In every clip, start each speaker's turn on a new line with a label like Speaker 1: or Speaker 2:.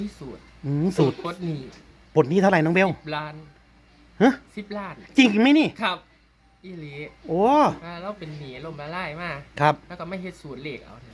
Speaker 1: ที่สูตร
Speaker 2: สูตร
Speaker 1: ปลดหนี้
Speaker 2: ปลดหนี้เท่าไหร่น้องเบล
Speaker 1: ล้าน
Speaker 2: ฮะ
Speaker 1: 10 ล้าน
Speaker 2: จริงไหมนี่
Speaker 1: ครับอีหลี
Speaker 2: โอ้
Speaker 1: เราเป็นหนี้ล่มละลายมา
Speaker 2: ครับ
Speaker 1: แล้วก็ไม่เฮ็ดสูตรเลขเอาเนี่ย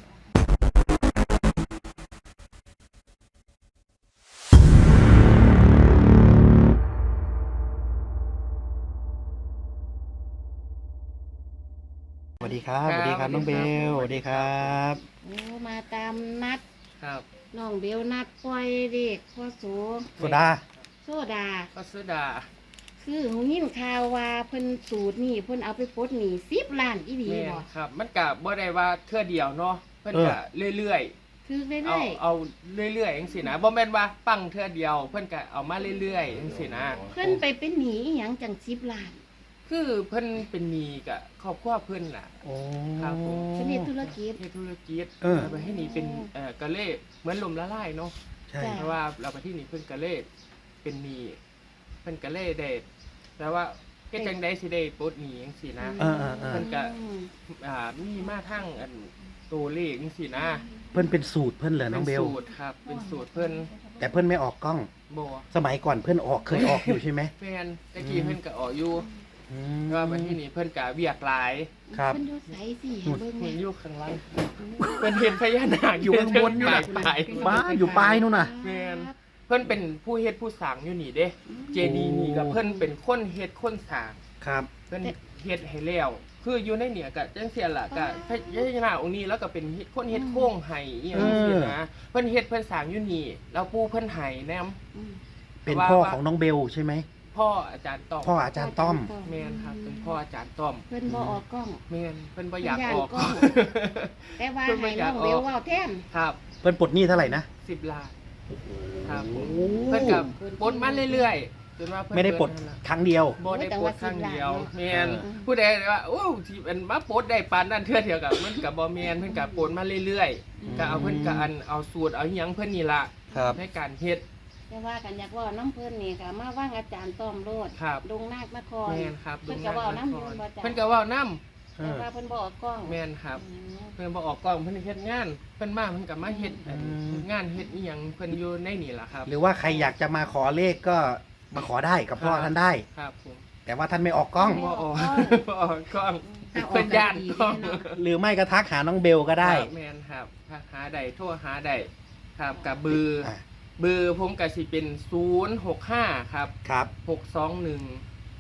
Speaker 2: สวัสดีครับสวัสดีครับน้องเบลสวัสดีครับ
Speaker 3: โอ้มาตามนัด
Speaker 1: ครับ
Speaker 3: น้องเบลนัดปล่อยเด็กพ่อโส
Speaker 2: โซดา
Speaker 3: โซดา
Speaker 1: ก็โซดา
Speaker 3: คือหูยินข่าวว่าเพิ่นสูตรนี่เพิ่นเอาไปปลดหนี้10 ล้านอีหลี
Speaker 1: แม่
Speaker 3: บ่
Speaker 1: ครับมันก็บ่ได้ว่าเทื่อเดียวเนาะเพิ่นก็เรื่อย
Speaker 3: คือ
Speaker 1: ๆ
Speaker 3: เรื่อย
Speaker 1: เอาเรื่อยๆจังซี่นะบ่แม่นว่าปังเทื่อเดียวเพิ่นก็เอามาเรื่อยๆจังซี่นะ
Speaker 3: ๆเพิ่นไปเป็นหนี้อีหยังจัง10 ล้าน
Speaker 1: คือเพิ่นเป็นหนี้กับครอบครัวเพิ่นน่ะ
Speaker 2: โอ้
Speaker 1: ครับผม
Speaker 3: เพิ่นเฮ็ดธุรกิจ
Speaker 1: เฮ็ดธุรกิจ
Speaker 2: ไป
Speaker 1: ให้หนี้เป็นก็เลยเหมือนล่มละลายเนาะ
Speaker 2: ใช่
Speaker 1: เพราะว่าเราไปที่นี่เพิ่นก็เลยเป็นหนี้เพิ่นก็เลยได้แล้วว่าเฮ็ดจังได๋สิได้ปลดหนี้จังซี่นะเพิ่นก็มีมาทั้งอันตัวเลขจังซี่นะ
Speaker 2: เพิ่นเป็นสูตรเพิ่นเหรอน้องเบล
Speaker 1: เป็นสูตรครับเป็นสูตรเพิ่น
Speaker 2: แต่เพิ่นไม่ออกกล้อง
Speaker 1: บ่
Speaker 2: สมัยก่อนเพิ่นเคยออกอยู่ใช่ไหม
Speaker 1: แม่นตะกี้เพิ่นก็ออกอยู่ก็ไปที่นี่เพิ่นก็เวียกหลาย
Speaker 2: ครับ
Speaker 3: เพิ่นอยู่ไสสิให้เบิ่ง
Speaker 1: เพิ่
Speaker 3: แม่
Speaker 1: นอยู่ข้างล่างเพิ่นเห็นพญานาค
Speaker 2: อยู่ข้างบนอยู่น่ะ
Speaker 1: ปลาย
Speaker 2: บ้าอยู่ปลายนู่นน่ะ
Speaker 1: แม่นเพิ่นเป็นผู้เฮ็ดผู้สร้างอยู่นี่เด้เจดีย์นี่ก็เพิ่นเป็นคนเฮ็ดคนสร้าง
Speaker 2: ครับ
Speaker 1: เพิ่นเฮ็ดให้แล้วคืออยู่ในเนี่ยก็จังซี่ล่ะก็พญานาคองค์นี้แล้วก็เป็นคนเฮ็ดโค้งให้อีหยังจังซี่นะเพิ่นเฮ็ดเพิ่นสร้างอยู่นี่แล้วปู่เพิ่นให้แนม
Speaker 2: เป็นพ่อของน้องเบลใช่ไหม
Speaker 1: พ่ออาจารย์ต้อม
Speaker 2: พ่ออาจารย์ต้อม
Speaker 1: แม่นครับเป็นพ่ออาจารย์ต้อม
Speaker 3: เพิ่นบ่ออกกล้อง
Speaker 1: แม่นเพิ่นบ่อยากออก
Speaker 3: แต่ว่าให้น้องเบลเว้าแทน
Speaker 1: ครับ
Speaker 2: เพิ่นปลดหนี้เท่าไหร่นะ
Speaker 1: 10 ล้านครับผมเพิ่นก็ปลดมาเรื่อยๆจนว่าเพิ่น
Speaker 2: ไม่ได้ปลดครั้งเดียว
Speaker 1: บ่ได้ปลดครั้งเดียวแม่นผู้ใดว่าโอ้ที่มันมาปลดได้ปานนั้นเทื่อเดียวก็มันก็บ่แม่นเพิ่นก็ปลดมาเรื่อยๆก็เอาเพิ่นก็เอาสูตรเอาหยังเพิ่นนี่ล่ะในการเฮ็ด
Speaker 3: แต่ว่ากันอยากว่าน้ำเพิ่นนี่ก็มาว่างอาจารย์ต้อมโลดดงนาคนคร
Speaker 1: แม่นครับ
Speaker 3: เพิ่นก็เว้าน้ำเพิ่นบ่จ้ะ
Speaker 1: เพิ่นก็เว้าน้ำ
Speaker 3: แต่ว่าเพิ่นบ่ออกกล้อง
Speaker 1: แม่นครับเพิ่นบ่ออกกล้องเพิ่นเฮ็ดงานเพิ่นมาเพิ่นก็มาเฮ็ดงานเฮ็ดอีหยังเพิ่นอยู่ในนี่ล่ะครับ
Speaker 2: หรือว่าใครอยากจะมาขอเลขก็มาขอได้กับพ่อท่านได้
Speaker 1: ครับผม
Speaker 2: แต่ว่าท่านไม่ออกกล้อง
Speaker 1: บ่ออกบ่ออกกล้องเพิ่นย่านกล้อง
Speaker 2: หรือไม่ก็ทักหาน้องเบลก็ได้
Speaker 1: แม่นครับหาได้โทรหาได้ครับกับเบอร์ผมก็สิเป็น065ครับ621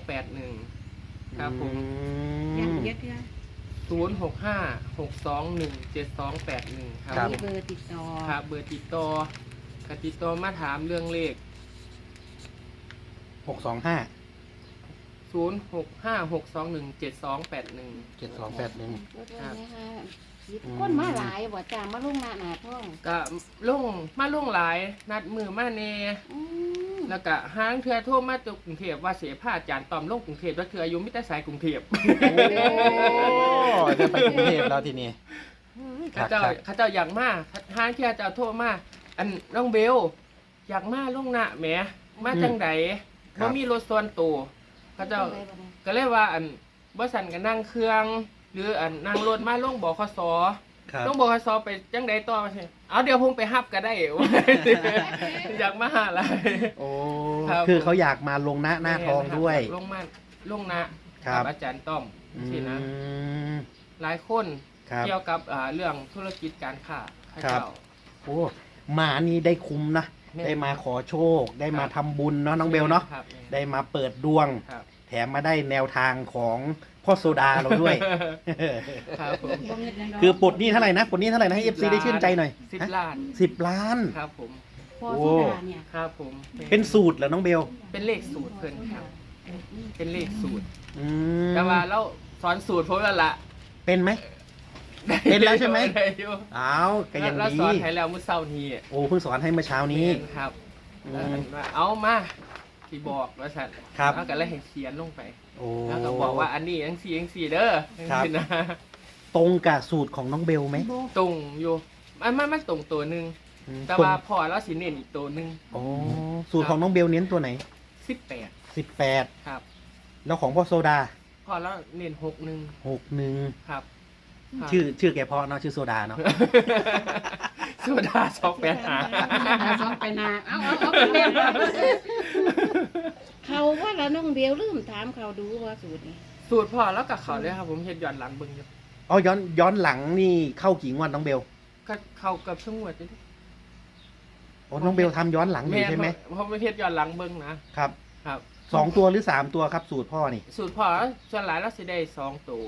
Speaker 1: 7281ครับผม
Speaker 3: ยังเยอะ
Speaker 1: 065 621 7281ครับ
Speaker 3: มีเบอร์ติดต่อ
Speaker 1: ครับเบอร์ติดต่อก็ติดต่อมาถามเรื่องเลข
Speaker 2: 625
Speaker 1: 065 621 7281
Speaker 2: 7281
Speaker 3: คนมาหลายบ่จ้ามาลงหน้าท้อง
Speaker 1: ก็มาลงหลายนัดมือมาแน่แล้วก็ห้างเทื่อโทรมาจากกรุงเทพว่าเสียผ้าอาจารย์ตอมลงกรุงเทพแล้วเทื่ออายุมิตรสายกรุงเทพ
Speaker 2: จะไปกรุงเทพแล้วทีนี้
Speaker 1: เขาเจ้าอยากมาห้างเทื่อเจ้าโทรมาอันน้องเบลอยากมาลงหน้าแหมมาจังไดบ่มีรถส่วนตัวเขาเจ้าก็เลยว่าอันบ่สั่นก็นั่งเครื่องหรืออันนั่งรถมาลงบขสลงบขสไปจังไดต่อใช่เอาเดี๋ยวผมไปฮับก็ได้อยากมาหาอะไร
Speaker 2: โอ้คือเขาอยากมาลงหน้าทองด้วย
Speaker 1: ลงหน้าอาจารย์ต้อมสินะหลายคนเกี่ยวกับเรื่องธุรกิจการค้า
Speaker 2: ครับโอ้มานี่ได้คุ้มนะได้มาขอโชคได้มาทำบุญเนาะน้องเบลเนาะได้มาเปิดดวงแถมมาได้แนวทางของพ่อโซดาเราด้วยคือปลดหนี้เท่าไหร่นะปลดหนี้เท่าไหร่นะให้ FC ได้ชื่นใจหน่อย
Speaker 1: 10 ล้าน
Speaker 2: 10 ล้าน
Speaker 1: ครับผม
Speaker 3: พ่อโซดาเนี่ย
Speaker 1: ครับผม
Speaker 2: เป็นสูตรเหรอน้องเบล
Speaker 1: เป็นเลขสูตรเพิ่นครับเป็นเลขสูตรแต่ว่าเราสอนสูตรผมแล้วล่ะ
Speaker 2: เป็นไหมเป็นแล้วใช่ไหมอ้าวก็ยังดี
Speaker 1: เราสอนให้แล้วมื้อเช้านี้
Speaker 2: โอ้เพิ่งสอนให้เมื่อเช้านี้
Speaker 1: ครับเอามาที่บอกว่าฉันแล้วก็เลยให้เขียนลงไปแล้วก็บอกว่าอันนี้จังซี่เด้อนะ
Speaker 2: ตรงกับสูตรของน้องเบลไหม
Speaker 1: ตรงอยู่มันตรงตัวนึงแต่ว่าพอแล้วสิเน้นอีกตัวนึง
Speaker 2: อ๋อสูตรของน้องเบลเน้นตัวไหน18
Speaker 1: ครับ
Speaker 2: แล้วของพ่อโซดา
Speaker 1: พอแล้วเน้น61ครับ
Speaker 2: ชื่อแกเพาะเนาะชื่อโซดาเนาะ
Speaker 1: โซดา285
Speaker 3: สองไปนาเอาไปเล่นเขาว่าแล้วน้องเบลลืมถามเขาดูว่าสูตรนี้
Speaker 1: สูตรพอแล้วกับเขาเลยครับผมเฮ็ดย้อนหลังเบิ่งอยู่
Speaker 2: อ๋อย้อนหลังนี่เข้ากี่งวดน้องเบล
Speaker 1: ก็เข้ากับช่วงวดนี่
Speaker 2: โอ้น้องเบลทำย้อนหลังอยู่ใช่ไหม
Speaker 1: เพราะไม่เฮ็ดย้อนหลังเบิ่งนะครับ ครับ
Speaker 2: 2 ตัวหรือ 3 ตัวครับสูตรพ่อนี่
Speaker 1: สูตรพอส่วนหลายเราสิได้2ตัว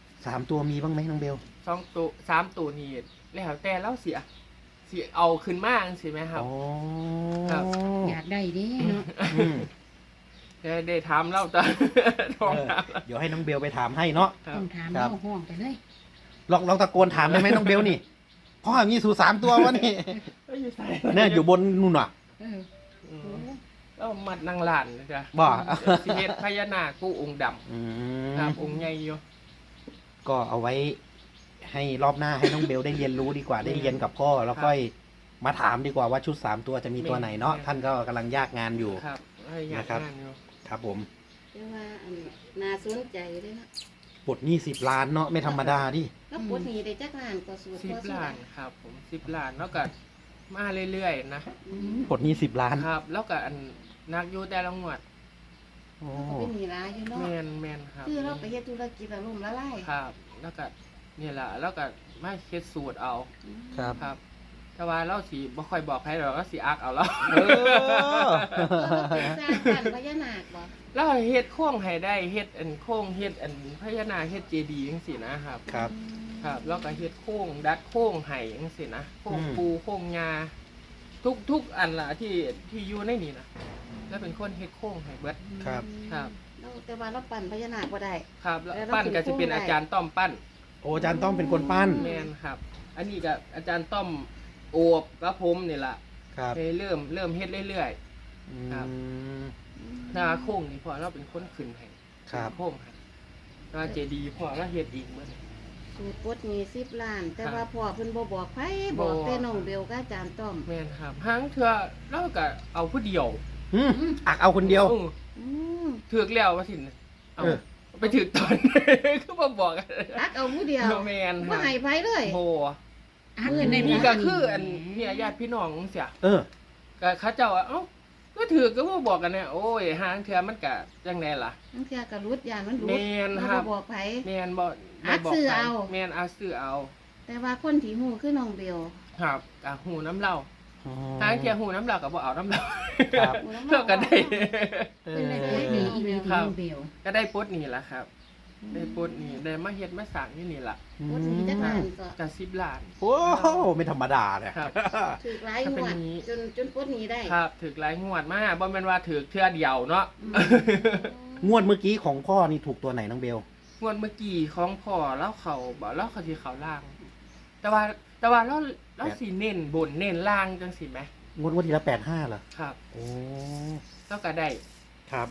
Speaker 2: 3 ตัวมีบ้างไหมน้องเบล
Speaker 1: 2ตัว3ตัวนี่แล้วแต่เราสิเอาขึ้นมาจังซี่แม่ครับ
Speaker 2: อ๋อ
Speaker 1: ครับ
Speaker 3: อยากได้เดิเนาะ
Speaker 2: อืม
Speaker 1: ได้ถามเราตอนท้องถามเรา
Speaker 2: เดี๋ยวให้น้องเบลไปถามให้เนาะ
Speaker 1: ครับ
Speaker 3: ต้องถาม
Speaker 2: ครับ
Speaker 3: เอาห้องไปเลย
Speaker 2: ลองตะโกนถามได้ไหมน้องเบลนี่พ่อมีสูตร3 ตัววะนี่
Speaker 1: เอ้ยอยู่ไส
Speaker 2: เนี่ยอยู่บนนู่นอ่ะ
Speaker 3: เออ
Speaker 1: อืมแล้วมัดนางหลานนะจ๊ะ
Speaker 2: บ่
Speaker 1: สิเฮ็ดพญานาคกูองค์ดำ
Speaker 2: อืม
Speaker 1: ครับองค์ใหญ่อยู่
Speaker 2: ก็เอาไว้ให้รอบหน้าให้น้องเบลได้เรียนรู้ดีกว่าได้เรียนกับพ่อแล้วก็มาถามดีกว่าว่าชุด 3 ตัวจะมีตัวไหนเนาะท่านก็กำลังยากงานอยู่
Speaker 1: ครับให้อยาก
Speaker 2: นะครับ
Speaker 1: งานอยู่
Speaker 2: ครับผม
Speaker 3: แต่ว่าอันน่าสนใจเลยนะ
Speaker 2: ปลดหนี้10 ล้านเนาะไม่ธรรมดาดิ
Speaker 3: แล้วปวดหนีได้จักล้านก็สูตร
Speaker 1: 10 ล้านครับผม10 ล้านแล้วก็มาเรื่อยๆนะ
Speaker 2: ปลดหนี้10 ล้าน
Speaker 1: ครับ แล้วก็อันนักอยู่แต่ละงวด
Speaker 2: โอ้
Speaker 3: เขาเป็นหนีร้ายอยู่เนาะ
Speaker 1: แม่นครับ
Speaker 3: คือเราไปเฮ็ดธุรกิจแล้วล่มละลาย
Speaker 1: ครับ แล้วก็นี่แหละแล้วก็มาเฮ็ดสูตรเอา
Speaker 2: ครับ
Speaker 1: ครับแต่ว่าเราสิบ่ค่อยบอกใครหรอกก็สิอักเอาแล้ว
Speaker 2: เออ
Speaker 3: สร้างบ้านพญานาคบ่
Speaker 1: แล้วเฮ็ดโค้งให้ได้เฮ็ดอันโค้งเฮ็ดอันพญานาคเฮ็ดเจดีย์จังซี่นะครับ
Speaker 2: ครับ
Speaker 1: ครับแล้วก็เฮ็ดโค้งดัดโค้งไห้จังซี่นะโค้ง
Speaker 2: อืม
Speaker 1: ปูโค้งงาทุกอันล่ะที่อยู่ในนี่นะแล้วเป็นคนเฮ็ดโค้งให้เบิด
Speaker 2: ครับ
Speaker 1: ครับ
Speaker 3: เราแต่ว่าเราปั่นพญานาคบ่ได้
Speaker 1: ครับแล้ว
Speaker 3: แล้ว
Speaker 1: ปั้นก็สิเป็น
Speaker 3: เป็นโค้งได้
Speaker 1: อาจารย์ต้อมปั้น
Speaker 2: โอ้อาจารย์ต้องเป็นคนปั้น
Speaker 1: แม่นครับ อันนี้ก็อาจารย์ต้อมโอบกับผมนี่ล่ะ
Speaker 2: ครับ
Speaker 1: ให้เริ่มเฮ็ดเรื่อย ครับ
Speaker 2: อืม
Speaker 1: ๆหน้าโค้งนี่พอเราเป็นคนขึ้นให้
Speaker 2: ครับ
Speaker 1: โค้งให้หน้าเจดีย์พอเราเฮ็ดเองเบิด
Speaker 3: สูตรปลดหนี10 ล้าน แต่
Speaker 1: ครับ
Speaker 3: ว่าพ่อเพิ่นบ่บอกไผบอก
Speaker 1: บ่
Speaker 3: แต่น้องเบลกับอาจารย์ต้อม
Speaker 1: แม่นครับหางเทื่อเราก็เอาผู้เดียว
Speaker 2: อืมอักเอาคนเดียว
Speaker 3: อืม
Speaker 1: ถือกแล้วว่าสิเอา
Speaker 2: เออ
Speaker 1: ไปถือกตอน คือมาบอกกัน
Speaker 3: ตักเอาผู้เดียว
Speaker 1: แมน
Speaker 3: บ่ให้ไผเลย
Speaker 1: โบ
Speaker 3: อักเงินใน
Speaker 1: นี่
Speaker 3: บ้า
Speaker 1: ก็คืออันเนี่ยญาติพี่น้องเสีย
Speaker 2: เออ
Speaker 1: ก็เขาเจ้าว่าเอ้าก็ถือกก็บ่บอกกันเนี่ยโอ้ยหางเทื่อมันก็จังไดล่ะ
Speaker 3: บางเทื่อก็รุดยานมันรุด
Speaker 1: แม่นครับ
Speaker 3: บ่บอกไผ
Speaker 1: แม่นบ่
Speaker 3: อัก
Speaker 1: บ่บก
Speaker 3: ซื้อ
Speaker 1: ใคร
Speaker 3: เอา
Speaker 1: แม่นเอาซื้อเอา
Speaker 3: แต่ว่าคนที่ฮู้คือน้องเบล
Speaker 1: ครับก็หูน้ำเหล้า
Speaker 2: อ๋อ
Speaker 1: หางเทื่อหูน้ำเหล้าก็บ่เอาน้ำเหล้า
Speaker 2: ครับ
Speaker 1: เราก็ได้
Speaker 2: เอ
Speaker 3: เป็นได้
Speaker 2: อ
Speaker 3: ปลดหนีอีหลีที่น้องเบล
Speaker 1: ก็ได้ปลดหนี่ล่ะครับ ได้ปลดหนี่ได้มาเฮ็ดมาสร้างอยู่นี่ล่ะ
Speaker 3: ปลดหนีจักล้านก็
Speaker 1: ก็10 ล้าน
Speaker 2: โอ้ไม่ธรรมดาเนี่ย
Speaker 1: ครับ
Speaker 3: ถูกหลายงวดจนปลดหนีได้
Speaker 1: ครับถือหลายงวดมากบ่แม่นว่าถือเทื่อเดียวเนาะ
Speaker 3: อืม
Speaker 2: งวดเมื่อกี้ของพ่อนี่ถูกตัวไหนน้องเบล
Speaker 1: งวดเมื่อกี้ของพ่อเล่าเขาบ่เล่าเขาสิเขาล่าง แต่ว่าเราสิเน้นบนเน้นล่างจังสิแหม
Speaker 2: งวดที่ละ85เหรอ
Speaker 1: ครับ
Speaker 2: โอ้
Speaker 1: เราก็ได้
Speaker 2: ครับ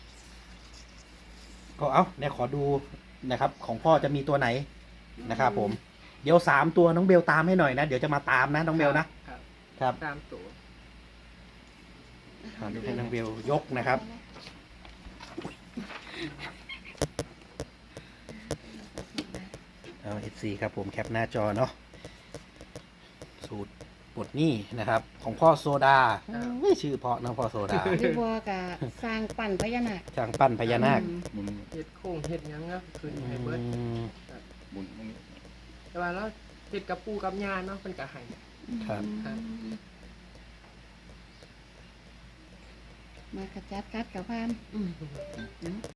Speaker 2: ก็เอาเนี่ยขอดูนะครับ ของพ่อจะมีตัวไหนนะครับผม เดี๋ยว3ตัวน้องเบลตามให้หน่อยนะ เดี๋ยวจะมาตามนะน้องเบลนะครับ ครับ
Speaker 1: ตามตัว
Speaker 2: เดี๋ยวให้น้องเบลยกนะครับ เอา FC ครับผมแคปหน้าจอเนาะสูตรปลดหนี้นะครับ ของพ่อโซดาไม่ชื่อเพราะนะพ่อโซดา
Speaker 3: หรือว่าก็สร้างปั่นพญานาค
Speaker 2: ช่างปั้นพญานาค
Speaker 4: หมุน
Speaker 1: เฮ็ดโค้งเฮ็ดหยังก็คืนให้เบิด
Speaker 2: อืม
Speaker 4: หมุนตรงนี้
Speaker 1: แต่ว่าเราเฮ็ดกับปู่กับย่าเนาะเพิ่นก็ให้
Speaker 2: ครับ
Speaker 1: ครับ
Speaker 3: มากระจัดกัดกับพาน